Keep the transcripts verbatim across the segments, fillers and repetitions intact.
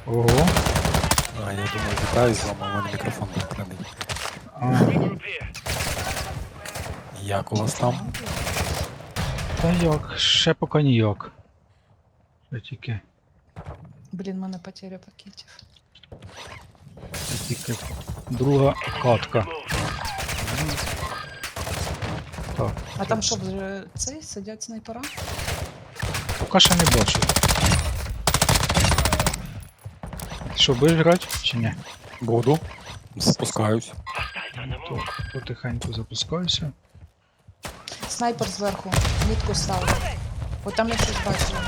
Ого. А, я думаю, вітаю з вами, у мене мікрофон вимкнений. А, Як у вас там? та як, ще поки ніяк. Ще тільки, Блін, в мене потеря пакетів. ще тільки друга катка. Так, А там що, вже цей сидять снайпера? поки ще не бачу. Що, будеш грати чи ні? Буду. Спускаюсь. То, потихеньку запускаюся. Снайпер зверху, мітку став. От там я щось бачила.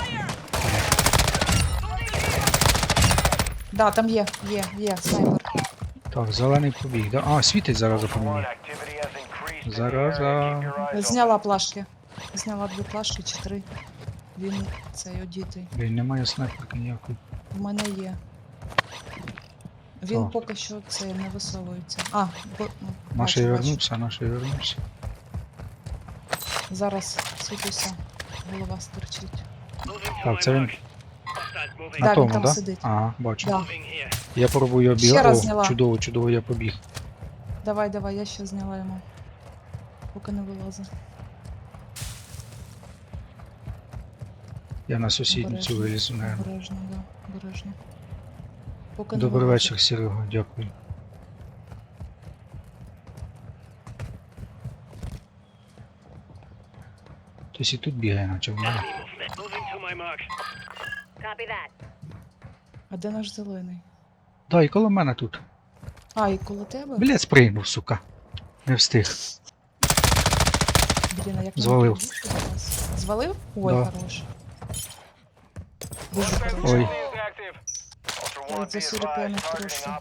Да, там є, є, є, снайпер. Так, зелений побіг, да? А, світить зараз по мені. Зараза. Зняла плашки. Зняла дві плашки чи три. Він цей одітий. Блін, немає снайперки ніякої. В мене є. Він Так. поки що це не висовується. А, бо, ну, Наш бачу, бачу. вернувся, наш вернувся. Зараз світуся. Голова стерчить. Так, це він Да, на він тому, там да? сидить. Ага, бачу. Да. Я пробую Ще обіг. раз О, зняла. чудово, чудово, я побіг. Давай, давай, я ще зняла йому. Поки не вилазить. Я на сусідницю Обережно, вилізу, наверное. Обережно, да, обережно. Поки не Добрий вилазить. вечір, Серега, дякую. Хтось і тут бігає, наче в мене. Copy that. А де наш зелений? Да, і коло мене тут. А, і коло тебе? Блять, спригнув, сука. Не встиг. Блін, а як мені Звалив. прибігти до вас? Звалив? Ой, Да. хорош. Дуже хорош. Ой. От за сюриками трошки.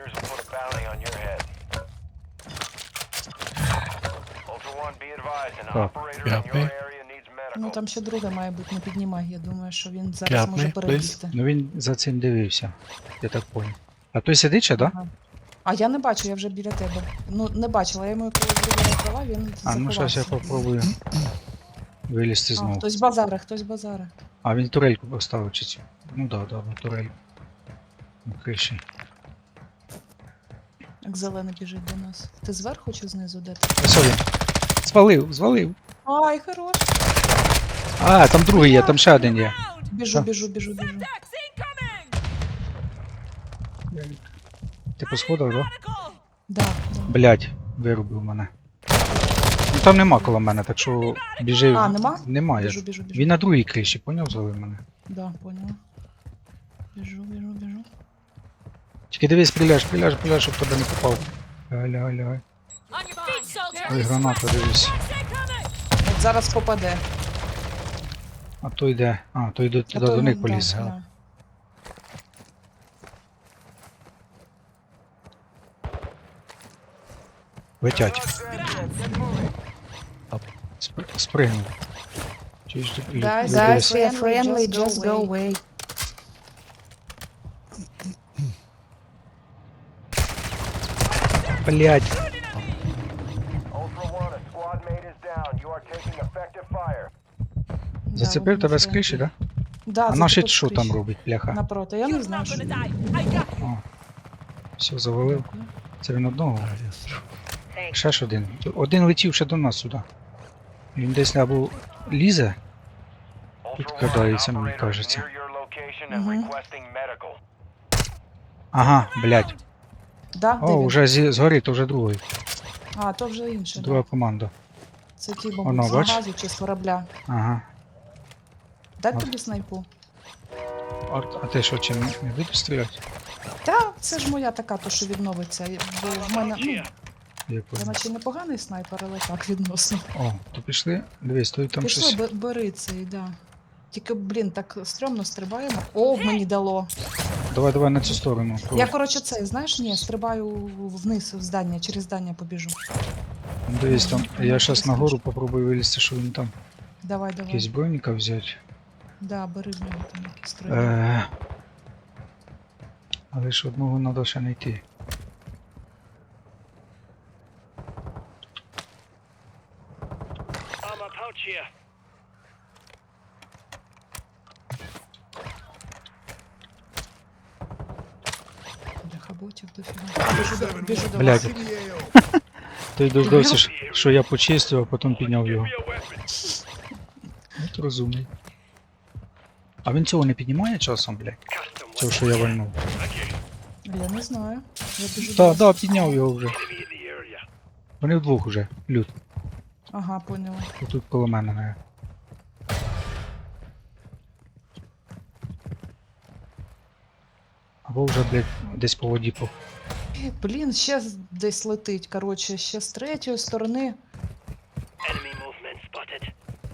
П'ятий. Ну там ще друге має бути, не піднімай. Я думаю, що він зараз П'ятний, може плиз. перебігти. Ну він за цим дивився. Я так понял. А той сидить ще, да? Ага. А я не бачу, я вже біля тебе. Ну, не бачила, я йому коли друге відкрила, він А ну зараз я заховався. попробую вилізти А, знову. хтось базаре, хтось базаре. А він турельку поставив чи цю? Ну да, да, на турельку. На криші. Як зелений біжить до нас. Ти зверху чи знизу, де ти? Ось він. Звалив, звалив. Ай, хорош. А, там другий є, там ще один є. Біжу, Що? біжу, біжу, біжу. Ти по сходах, да? Да, да. Блять, вирубив мене. Ну там нема коло мене, так що біжи. А, нема? Немає. Біжу, біжу, біжу. Він на другій криші, поняв, звалив мене. Да, поняла. Біжу, біжу, біжу. Тільки дивись, стріляй, стріляй, стріляй, щоб тебе не попав. Лягай, лягай, лягай. Ой, граната, дивись. От зараз попаде. А то йде. А, то йде А туди то до йому- них да, поліз. да. Летять. Спри- Спригнув. Чуєш, ти- Guys, дивись. guys, we are friendly, just go away. Блять. Да, Зацепив вони тебе з friendly. криші, да? Да, А наші зацепив що з там криші. робить, бляха? Напроти, я не знаю, що. О. Все, завалив. Це він одного. Ще ж один. Один летів ще до нас сюди. Він десь або лізе. Тут кидається, мені кажеться. Мгм. Ага, блять. Да, де О, він? вже зі- згорі, то вже другий. А, то вже інше. Друга Да. команда. Це ті, Воно, мабуть, з бач? газу чи з корабля. Ага. Дай От. тобі снайпу. А, а ти що, чим не будеш стріляти? Та, це ж моя така, то що відновиться. Бо в мене, ну, Я я понял. наче непоганий снайпер, але так відносно. О, то пішли. Дивись, той там Пішли, щось. бе- бери цей, да. Тільки, блін, так стрьомно стрибаємо. О, мені дало. Давай, давай на цю сторону. Я, коротше, цей, знаєш, ні, стрибаю вниз в здання, через здання побіжу. Дивись там. Ну, Я ну, зараз ти нагору скажи. попробую вилізти, що він там. Давай, Якийсь давай. броніка взяти. Да, бери в нього там якісь стрибай. Е, але ж одного треба ще знайти. ботів дофіга. Біжу до, біжу до Блядь. вас. Той дождався, що- що я почистив, а потім підняв його. От розумний. А він цього не піднімає часом, блядь? Цього, що я вальнув. Я не знаю. Я біжу до Так, вас. да, підняв його вже. Вони вдвох уже, люд. Ага, поняла. Отут коло мене, не. Або вже, блядь, десь по воді по. Е, Блін, ще з- десь летить, коротше, ще з третьої сторони. Enemy movement spotted.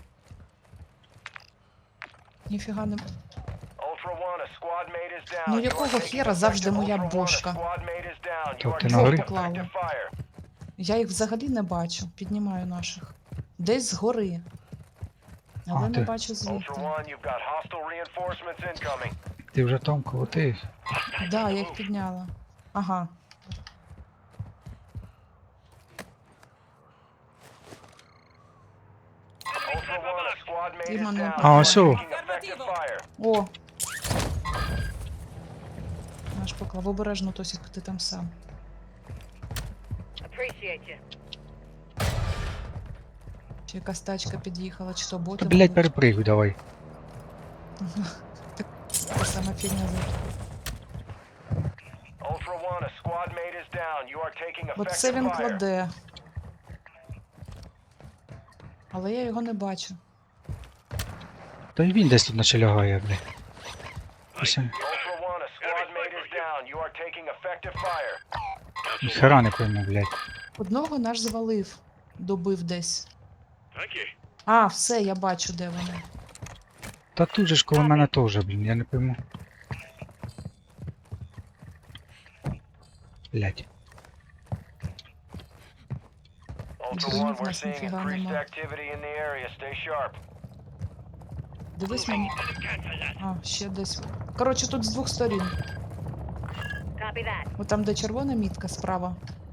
Ніфіга не. Ultra One, a squad mate is down. Ну, You are якого taking хера завжди effective- моя Ultra One, a бошка? squad mate is down. You То are ти на taking горі? effective fire. Я їх взагалі не бачу. Піднімаю наших. Десь згори. Але А, не ти- бачу Ultra звідти. One, you've got hostile reinforcements incoming. Ти вже там коло тих. Да, я їх підняла. Ага. Ultra One, a squad mate is Іменно. down. А, You are ось о. taking effective fire. О! Наш поклав. Обережно, Тосік, ти там сам. Appreciate you. Чи якась тачка під'їхала, чи то Та, боти. блядь, мабуть. перепригуй давай. Та сама фігня. Ultra One, a squad mate is down. You are taking Оце effective він fire. кладе. Але я його не бачу. Та й він десь тут наче лягає, блядь. Ось він. Ultra One, a squad mate is down. You are taking effective fire. Ніхера не пойму, блядь. Одного наш звалив. Добив десь. А, все, я бачу, де вони. Та тут же ж коло мене теж, блін, я не пойму. Блядь. Ultra Зрозумів, One, we're нас seeing ніфіга increased нема. activity in the area. Stay sharp. Дивись мені. А, ще десь. Коротше, тут з двох сторін. Copy that. О, там, де червона мітка справа.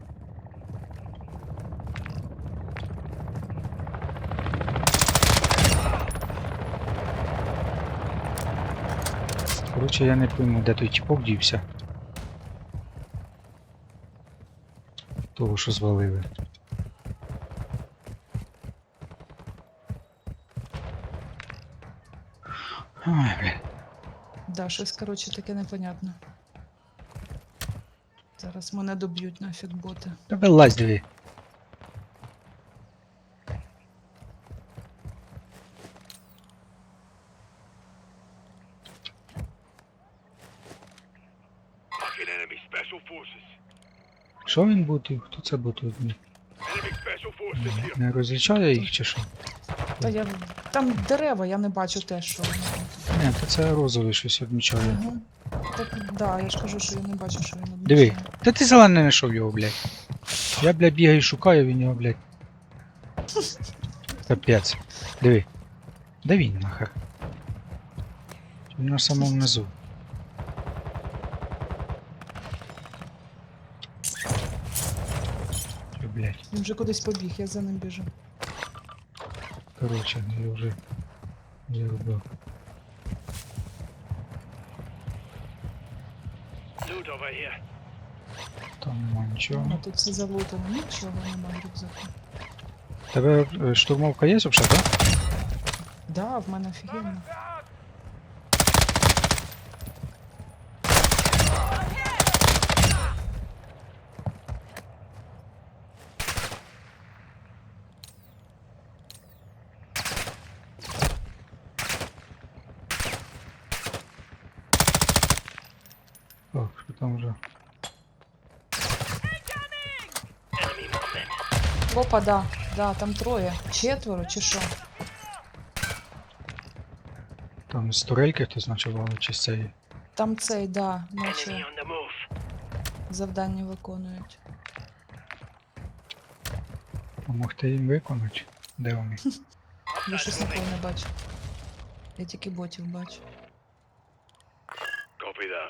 Коротше, я не пойму, де той тіпок дівся. Того, що звалили. Ой, блядь. Да, щось, коротше, таке непонятне. Зараз мене доб'ють нафіг боти. Тебе лазь, диви. Fucking enemy special forces. Що він бутив? Хто це бутив? Enemy special forces here. Не розлічає їх чи що? Та я. Там дерева, я не бачу те, що вони. Ні, то це розовий щось відмічає. Угу. Так, да, я ж кажу, що я не бачу, що він Диви. обмічає. Та ти зелений не знайшов його, блядь. Я, блядь, бігаю і шукаю, він його, блядь. Капець. Диви. Де він нахер? Він на самому низу. Що, блядь. Він вже кудись побіг, я за ним біжу. Коротше, я вже зарубив. Loot over here. Там нема А нічого. тут все залутано, нічого немає в рюкзаку. Тебе е, штурмовка є взагалі, так? Да, в мене офігенно. Так, що там вже? Enemy movement. Опа, да, да, там троє. Четверо чи що? Там з турельки хтось ночував, чи з цієї? Там цей, да, Enemy наче on the move. завдання виконують. Помогти їм виконати? Де вони? Я щось ніколи не бачу. Я тільки ботів бачу. Copy that.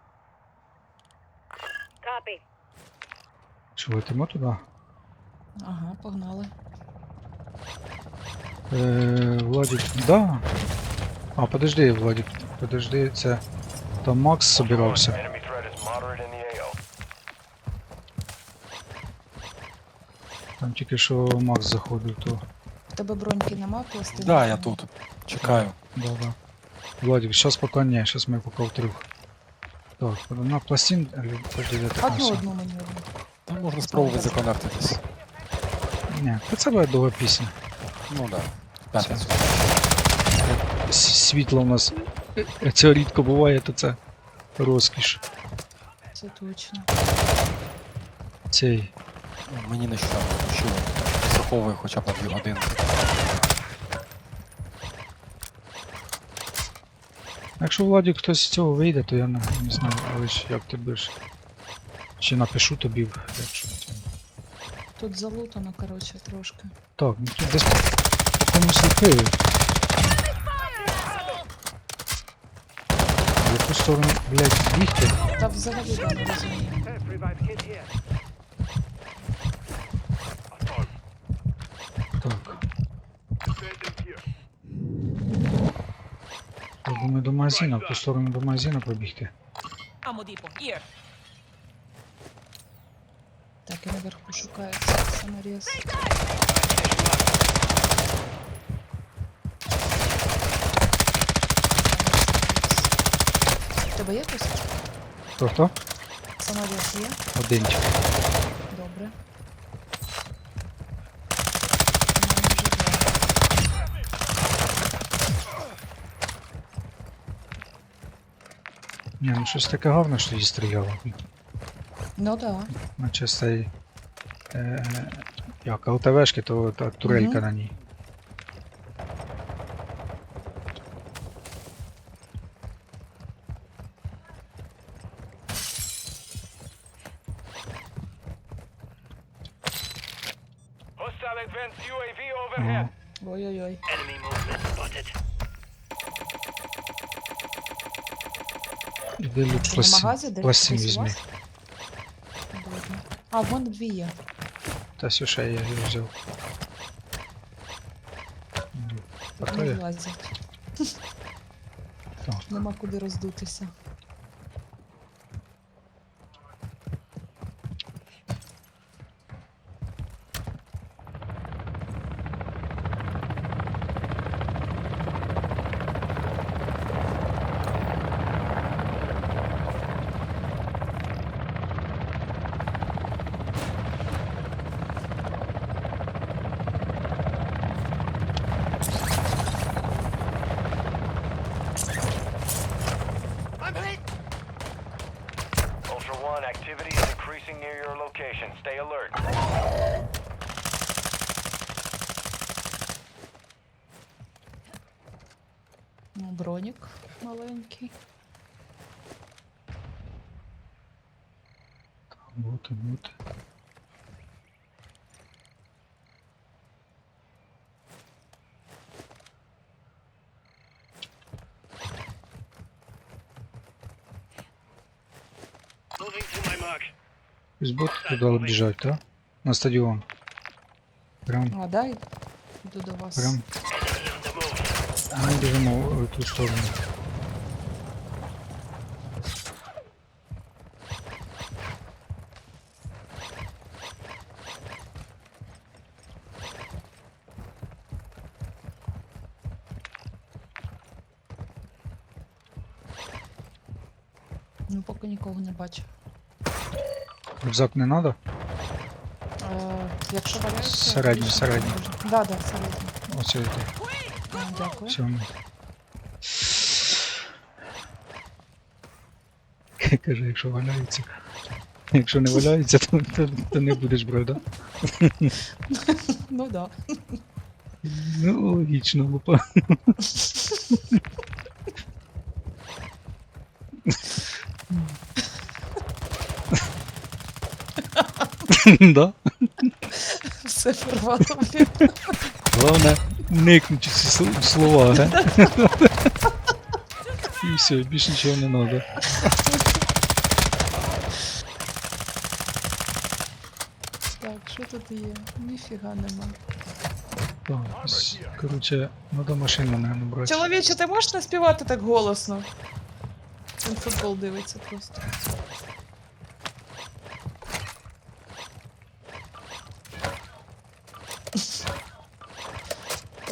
Copy. Що летимо туди? Ага, погнали. Е, Владик, да. А, подожди, Владик, подожди, це. Там Макс собирався. Enemy threat is moderate in the A O. Там тільки що Макс заходив, то... В тебе броньки нема, пластини? Да, я тут. Чекаю. Да, да. Владик, сейчас пока не, сейчас мы пока втрьох. Так, на пластин... или подожди, де ти Одну, там одну мені одну. Там можна спробувати законектитись. сам? Ні, та це буде довга пісня. Ну да. П'ятницю. С- Світло у нас... е, Це рідко буває, то це розкіш. Це точно. Цей... Ну, мені нещодавно включили. Страховує хоча б на дві години. Якщо Владик хтось з цього вийде, то я не, не знаю, але ж як ти будеш. Чи напишу тобі, якщо. це- Тут залутано, коротше, трошки. Так, ну тут десь по комусь ліпили. В яку сторону, блядь, бігти? Та взагалі я не розумію. Так, Abandoned here. я думаю, до магазину, в ту сторону до магазину пробігти. Ammo depot, here. Так, і наверху шукається саморез. В тебе є хтось? Хто хто? Саморез є? Одинчик. Добре. У мене вже два. Ні, ну щось таке гарне, що її стріляло. Ну да. Наче з цієї... Е, як, ЛТВшки, то та турелька Мгм. на ній. Hostile advanced U A V Ага. overhead. Ой-ой-ой. Enemy movement spotted. Іди люк Це на пластин, магазі? Де пластин десь у візьми. вас? Добре. А, в мене дві є. Та все, ще я її взяв. Ну, а то Не я. влазять. Так. Нема куди роздутися. Ultra One, activity is increasing near your location. Stay alert. Ну, бронік маленький. Бути, бути. Moving to my mark. Із бот туди біжать, так? На стадіон. Прям, А, дай. Йду до вас. прям. Enemy on the move. А ми біжимо в ту сторону. Ну, поки нікого не бачу. Рюкзак не треба? Е, якщо валяється... Середній, більше середній. не можу. Да, да, середній. Оце йде. А, дякую. Цьому. Каже, якщо валяється. Якщо не валяється, то, то, то не будеш брати, да? Ну да. Ну, логічно, лупа. Да? Все порвало. блін. Головне, никнуть ці сл- слова, га? І все, більше нічого не треба. Так, що тут є? Ніфіга нема. Так, ось, коротше, треба машину, наверное, брати. Чоловіче, ти можеш не співати так голосно? Він футбол дивиться просто.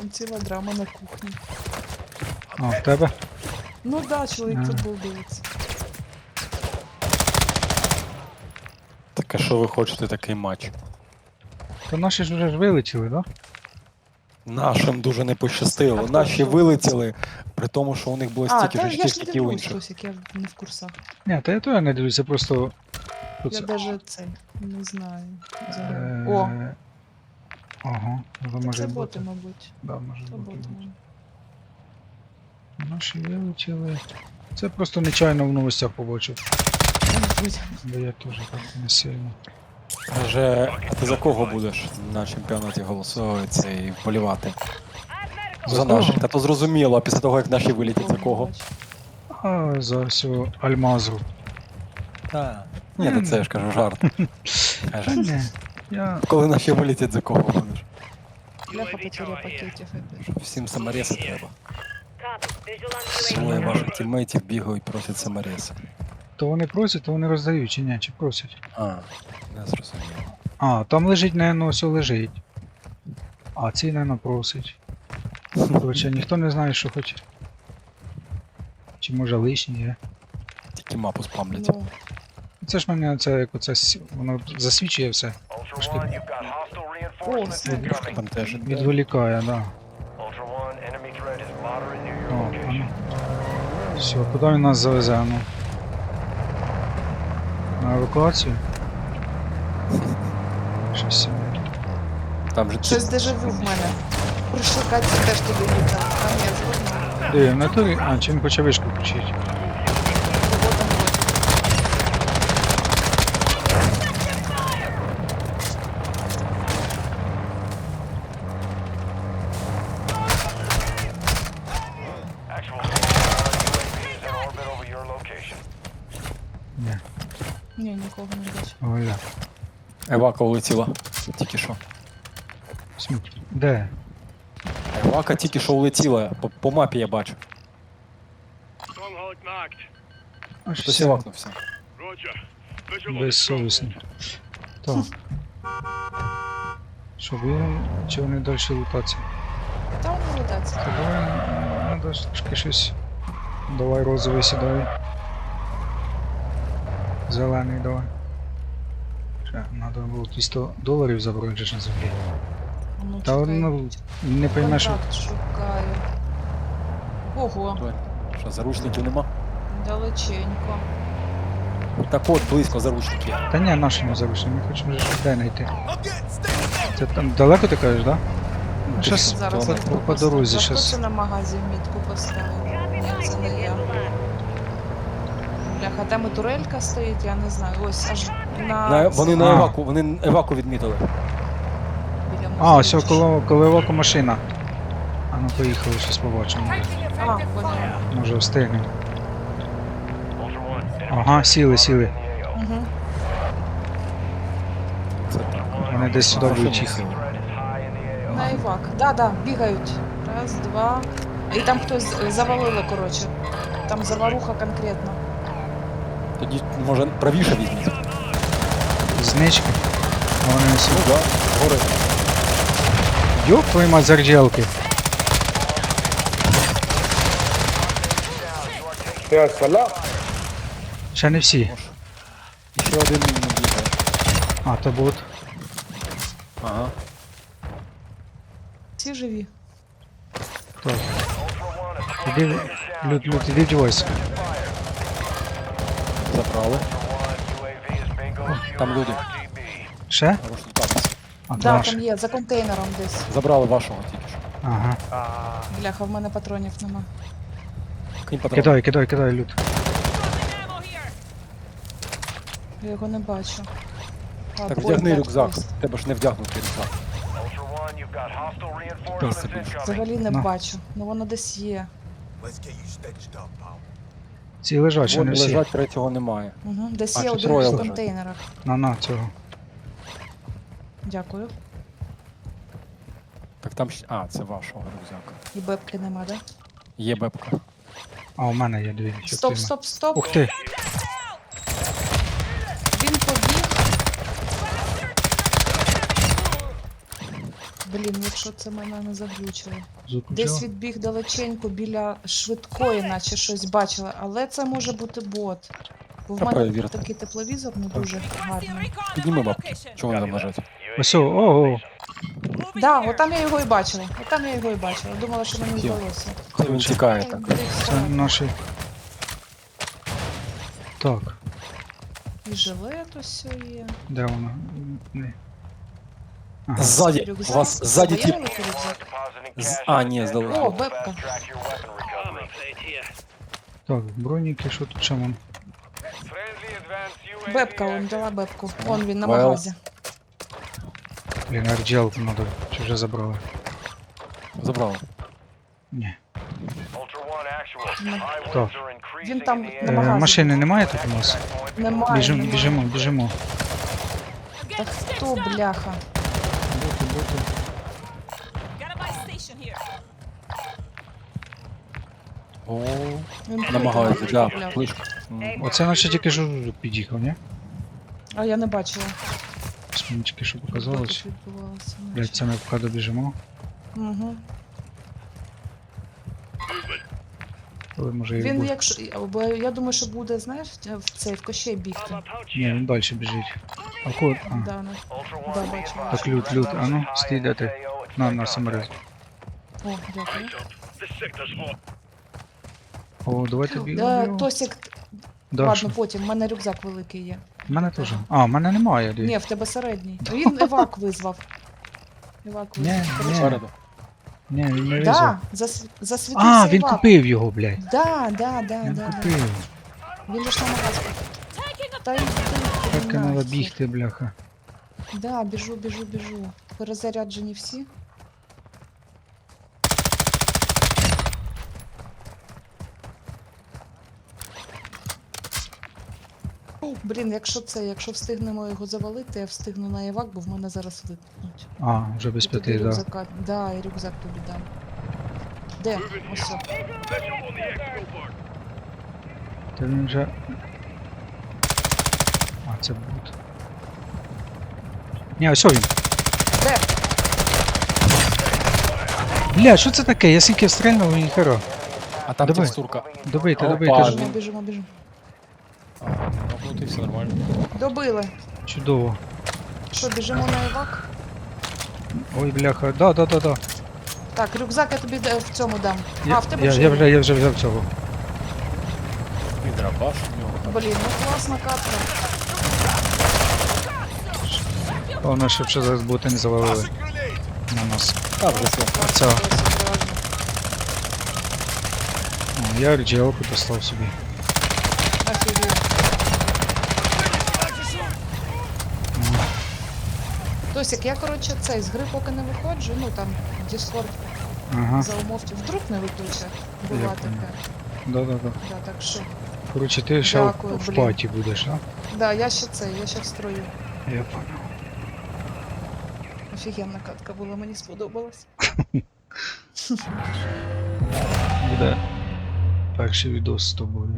Там ціла драма на кухні. А, в тебе? Ну да, чоловік Ага. футбол дивиться. Так а що ви хочете такий матч? То наші ж вже ж вилетіли, да? Нашим дуже не А пощастило. хто Наші що? вилетіли, при тому, що у них було А, стільки та ж я очків, ж не скільки у дивлюсь інших. щось, як я не в курсах. Ні, та я то я не дивлюся, просто. Тут Я це- даже це не знаю. взагалі. Е, О, Ага, то може це бути. боти, мабуть. Да, може Це бути. боти. мабуть. Наші вилетіли. Це просто нечайно в новостях побачив. Мабуть. Бо я теж так не сильно. Каже, а ти за кого будеш на чемпіонаті голосувати і вболівати? За За кого? наших. Та то зрозуміло, а після того, як наші вилетять, за кого? А за всього Альмазу. Так. Ні, то це я ж кажу жарт. Та Каже, ні, я. коли наші вилетять, за кого будеш? Бляха потеря пакетів. опять. Всім саморези треба. Copy. Visual on U A V. Двоє ваших тіммейтів бігають, просять саморези. То вони просять, то вони роздають, чи ні, чи просять. А, не зрозуміло. А, там лежить, наверное, все лежить. А цей, наверное, просить. Короче, ніхто не знає, що хоче. Чи може лишній є. Тільки мапу спамлять. Ну, Це ж мене це як оце с- воно засвічує все. Ultra Пошли. One, you've got hostile reinforcements О, incoming. Бентежить. Відволікає, да. Ultra One, enemy threat is moderate near О, your а location. ну. Все, куди він нас завезе, а ну? На евакуацію? Щось собі. Там же щось дежавю в мене. Прийшли Катя теж туди літати. Там я згодна. Де, в натурі? А, чи він хоче вишку включити? Кого там буде? Actual U A V is in orbit over your location. Ні. Ні, нікого не бачу. Оля. Евака улетіла. Тільки що. Сміть. Де? Евака тільки що улетіла. По, по мапі я бачу. Stronghold marked. Аж Хтось все. евакнувся. Roger. Visual on Безсовісний. Так. Що, ви чи вони далі лутаться? Там не летаться. Та давай, надо ж трошки щось. Давай розовий сідай. Зелений давай. Ще, надо було двісті доларів забрати же ж на землі. Ну, Та чекай. ну, не поймеш, що... Контракт шукаю. Ого, Що, заручників нема? далеченько. Так от, близько заручники. Та ні, наші не залишили, ми хочемо вже де знайти. Це там далеко ти кажеш, да? Щас Зараз по, мітку по, по дорозі, поставлю. Хто щас. це на магазі мітку поставив? Ні, це не я. Бляха, там і турелька стоїть, я не знаю. Ось аж на... На, вони на А. еваку, вони еваку відмітили. біля А, музею все, чи коло, коло еваку машина. А ну поїхали, щось побачимо. що. А, поняла. Може встигнемо. Ultra One, enemy Ага, threat сіли, is сіли. moderate in the A O. Угу. Це так. Вони десь сюди Машина будуть їхати. сіла. Threat is high in the A O. На Івак. Да, да, бігають. Раз, два. І там хтось е, завалили, коротше. Там заваруха конкретно. Тоді, може, правіше візьміть. Знички. А вони не Ну сіли. да, гори. Йоп, твої мать зарджелки. Ще не всі. Може. І ще один не бігає. А, то бот. Ага. Всі живі. Так. Ultra One, a squad Іди, mate is down. Люд, Люд, іди вдівайся. Забрали. Ultra One, U A V is bingo Там fuel люди. R G B. Ще? Заручника. А, Да, ваш. там є, за контейнером десь. Забрали вашого тільки що. Ага. Бляха, в мене патронів нема. Кинь патрон. Кидай, кидай, кидай, Люд. Ammo here. Я його не бачу. А, Так ой, вдягни так, рюкзак. ось. В Тебе ж не вдягнутий рюкзак. Ultra One, you've got hostile Та reinforcements собі. incoming. Взагалі не На. бачу. Ну воно десь є. Ці лежать, ще Вон не всі. лежать, третього немає. Угу. Десь А, є чи один троє в лежать? контейнерах. На, на, цього. Дякую. Так там ще. А, це вашого рюкзака. І бебки нема, да? Є бебка. А, у мене є дві. Стоп, частини. стоп, стоп. Ух ти. Він побіг. Блін, якщо це мене не заглючило. Звук Десь включила? відбіг далеченько біля швидкої, наче щось бачила, але це може бути бот. Бо в Та мене перевірте. такий тепловізор не дуже Requesting гарний. recon Підніми on my бабки. location. Чого вони там лежать? Ось, о, о, о. Moving Да, here. отам я його і бачила. Отам я його і бачила. Думала, що мені Є. вдалося. Хай він тікає Ой, так. блін, Це так. наші. Так, І жилет ось є. де воно? Не. Ага. Ззаді. У Рюкзак. вас ззаді Є тип. великий рюкзак? З- а, ні, здалека. О, бепка. Armor plate here. Так, броніки, що тут ще вон? Бепка, он дала бепку. Он він на Well. магазі. Блін, арджелку треба, чи вже забрали? Забрали. Ні. Так. Він там на Е, магазі. машини немає тут у нас? Немає. Біжимо, немає. біжимо, біжимо. I'm Та getting stitched хто, up. бляха? Боти, боти. Got a buy station here. О, Він намагаються, плитку да, купляв. плишка. М. Оце наче тільки жужжук під'їхав, ні? А я не бачила. Ось мені тільки що Що показалось. тут відбувалося. Блять, це ми поки добіжимо. Угу. Але може і Він буде. якщо. Бо я думаю, що буде, знаєш, в цей в кощей бігти. Armor pouch Ні, here. він далі біжить. А код? А, Да, ну. Да, бачу. Так, лют, лют, а ну, стій, де ти? На, на саморез. О, дякую. This sector's hot. О, давайте Е, бігемо. Тосік, Да, ладно, що? потім, в мене рюкзак великий є. В мене теж. А, в мене немає. Ді. Ні, в тебе середній. Він евак визвав. Евак Ні, визвав. ні. Спереду. Ні, він не визвав. Да, зас... засвітився А, він евак. купив його, блядь. Да, да, да, Він да, да. купив. Він лиш на магазин. Та й ти, Так і треба нахер. бігти, бляха. Да, біжу, біжу, біжу. Перезаряджені всі. О, блін, якщо це, якщо встигнемо його завалити, я встигну на евак, бо в мене зараз випнуть. А, вже без І тобі п'яти, да. рюкзака. Да, і рюкзак тобі дам. Де? Ось. о. Visual on the exfil board. Та він вже. А, це бут. Ні, ось він. Де? Бля, що це таке? Я скільки стрельнув і хера. А там Давай. текстурка. Добийте, Опа, добийте. ж. Біжимо, біжимо, біжимо. А, ну ти все нормально. Добили. Чудово. Що, біжимо на евак? Ой, бляха. Да, да, да, да. Так, рюкзак я тобі да- в цьому дам. Я, а, в тебе я, вже я, є. вже, я вже взяв цього. І драбаш у нього там. Блін, ну класна катка. Головне, щоб ще зараз боти не завалили на нас. А, вже все. Оця. О, я рджелку достав собі. Офігеть. Тосик, я, коротше, цей, з гри поки не виходжу, ну там, Discord Ага. за умовки, вдруг не виключать. Була Я така. понял. Да, да, да. Да, так що. Коротше, ти ще в, Дякую, в блін. паті будеш, а? Да, я ще це, я ще в строю. Я понял. Офігенна катка була, мені сподобалась. Буде перший відос з тобою.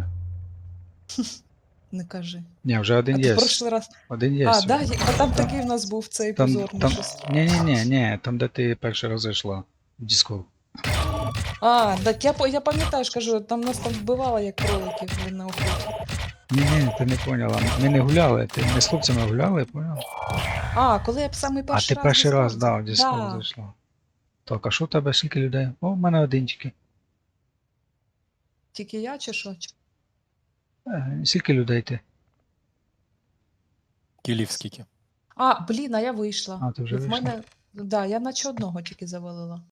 Не кажи. Ні, вже А один ти є. в прошлий раз. Один є. А, да, є- а там такий в нас був цей Там, позорний там... щось. Ні, ні, ні, ні, там де ти перший раз зайшла. В Discord. А, так я, по- я пам'ятаю, ж кажу, там нас там вбивало як кроликів, блін, на охоті. Ні, ні, ти не поняла. Ми не гуляли, ти не з хлопцями гуляли, поняла? А, коли я б самий А перший ти раз. перший в раз, Discord. да, в Discord Да. зайшла. Так, а що у тебе, скільки людей? О, в мене один тільки. Тільки я чи що? Чи- Е, Скільки людей ти? Кілів скільки. А, блін, а я вийшла. А, ти вже В вийшла? мене, да, я наче одного тільки завалила.